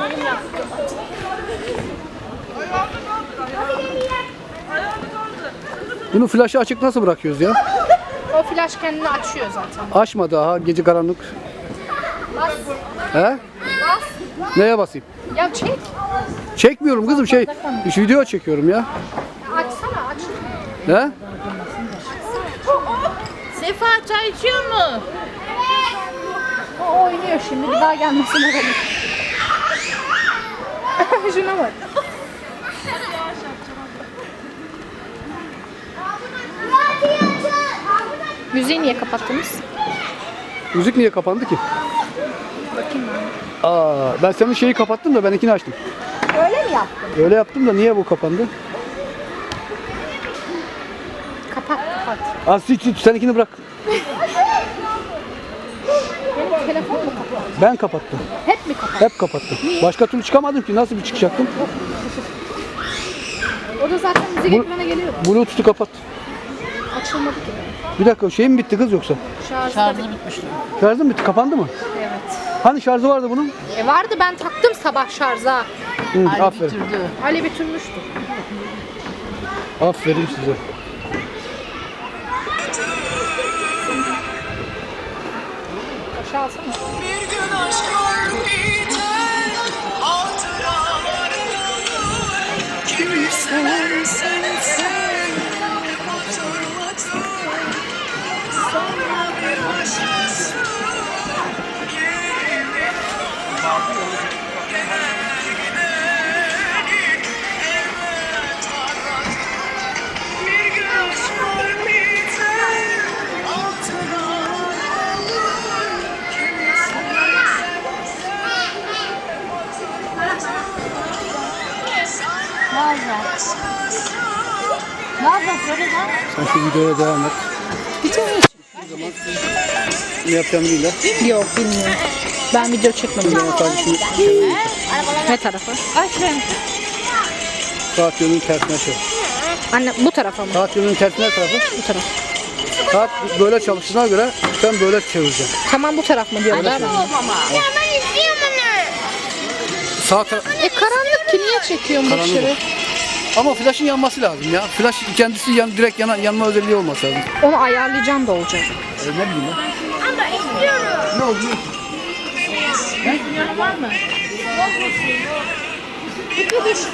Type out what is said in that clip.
Bunu flaşı açık nasıl bırakıyoruz ya? O flaş kendini açıyor zaten. Açma daha, gece karanlık. Bas. He? Bas. Neye basayım? Ya çek. Çekmiyorum kızım şu video çekiyorum ya. Açsana aç. He? Sefa çay içiyor mu? O oynuyor şimdi bir daha gelmesine bakın. Şuna bak. Müziği niye kapattınız? Müzik niye kapandı ki? Bakayım ben. Ben senin şeyi kapattım da benimkini açtım. Öyle mi yaptın? Öyle yaptım da niye bu kapandı? Kapat kapat. Seninkini bırak. Benim telefon mu kapat? Ben kapattım. Hep mi kapat? Hep kapattım. Başka türlü çıkamadım ki. Nasıl bir çıkacaktım? O da zaten müzik ekrana geliyor. Bluetooth'u kapat. Açılmadı ki. Bir dakika şey mi bitti kız yoksa? Şarjı bitmişti. Şarjı mı bitti? Kapandı mı? Evet. Hani şarjı vardı bunun? Vardı ben taktım sabah şarja. Hı, aferin. Bitirdi. Ali bitirmişti. Aferin size. Aşağı alsana. Bir gün aşklar biter, hatıralar kalır. Kimi seversen sen, hatırlatır. Sonra bir başkası yerine gelir giderik, evet arar. Bir gün aşklar biter, hatıralar kalır. Kimi Ne yapalım söyle lan. Sen şu videoya devam et. Ne yapacağımı bilirler. Yok bilmiyorum. Ben video çekmedim. Sadece şunu Ne tarafa? Aç ben. saat yönünün tersine çevir. Anne bu tarafa mı? Saat yönünün tersine tarafı. Bu taraf. Saat böyle çalıştığına göre sen böyle çevireceksin. Tamam bu taraf mı diyorlar? Ya ben istiyorum onu. Sağ taraf. Karanlık ki niye çekiyorum bu Karanlık dışarı? Ama flaşın yanması lazım ya. Flaş kendisi direkt yanma özelliği olması lazım. Onu ayarlayacağım da olacak. Ne bileyim ben. Ama istiyorum. Ne oldu? Var mı?